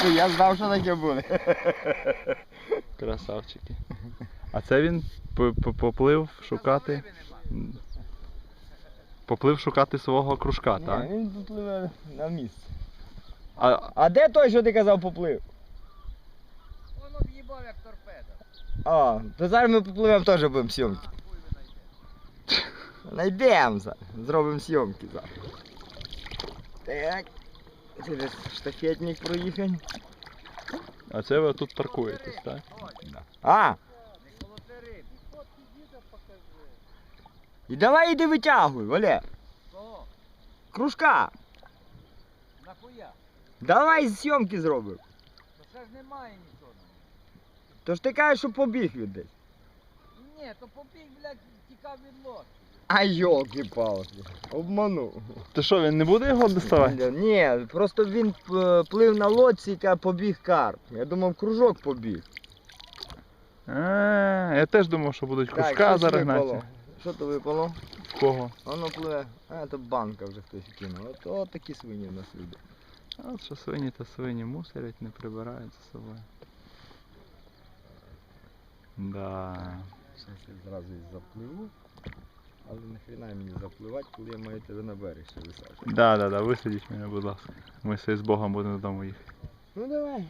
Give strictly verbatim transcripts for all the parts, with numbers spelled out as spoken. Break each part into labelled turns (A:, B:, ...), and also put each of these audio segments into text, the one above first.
A: Я знав, що таке буде.
B: Красавчики. А це він поплив шукати. Поплив шукати свого кружка,
A: Ні,
B: так?
A: він попливе на місце.
B: А,
A: А де той, що ти казав, поплив?
C: Воно в'їбав як торпеда.
A: А, то зараз ми попливемо теж будемо зйомки. Найдемо зараз. Зробимо зйомки зараз. Так. Через штафетник проїхати.
B: а це ви тут паркуєтесь, так?
A: А!
C: Не колоти риб. Фотки діда покажи.
A: І давай іди витягуй, Валер.
C: Кого?
A: Кружка.
C: Нахуя?
A: Давай зйомки зробимо.
C: То ще ж немає нічого.
A: То ж ти кажеш, що побіг він десь.
C: Ні, то побіг, блядь, тікав від лодки.
A: А йолки-палки. Обманув.
B: То що, він не буде його доставати?
A: Ні, просто він е, плив на лодці, яка побіг карп. Я думав, кружок побіг.
B: А, я теж думав, що будуть кружка
A: щось
B: зараз
A: випало.
B: гнати.
A: Що то випало?
B: В кого?
A: Воно пливе. А, то банка вже хтось кинув. От, от такі свині в нас люди.
B: А от що свині та свині мусорять, не прибирають за собою. Да.
A: Зараз я зразу і запливу. Але нахрена мені запливати, коли я маю тебе на берег ще висаджувати.
B: Да, да, да, висадіть мене, будь ласка. Ми все з Богом будемо додому їхати.
A: Ну давай.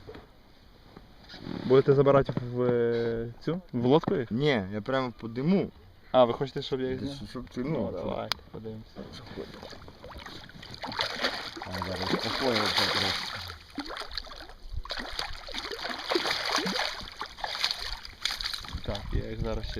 B: Будете забирати в е, цю? В лодку їх?
A: Ні, я прямо по диму.
B: А, ви хочете, щоб я їх зняв?
A: Щоб ти,
B: Ну,
A: ну,
B: давайте, подивимося.
A: А зараз успокоївся трохи.
B: Так, я їх зараз ще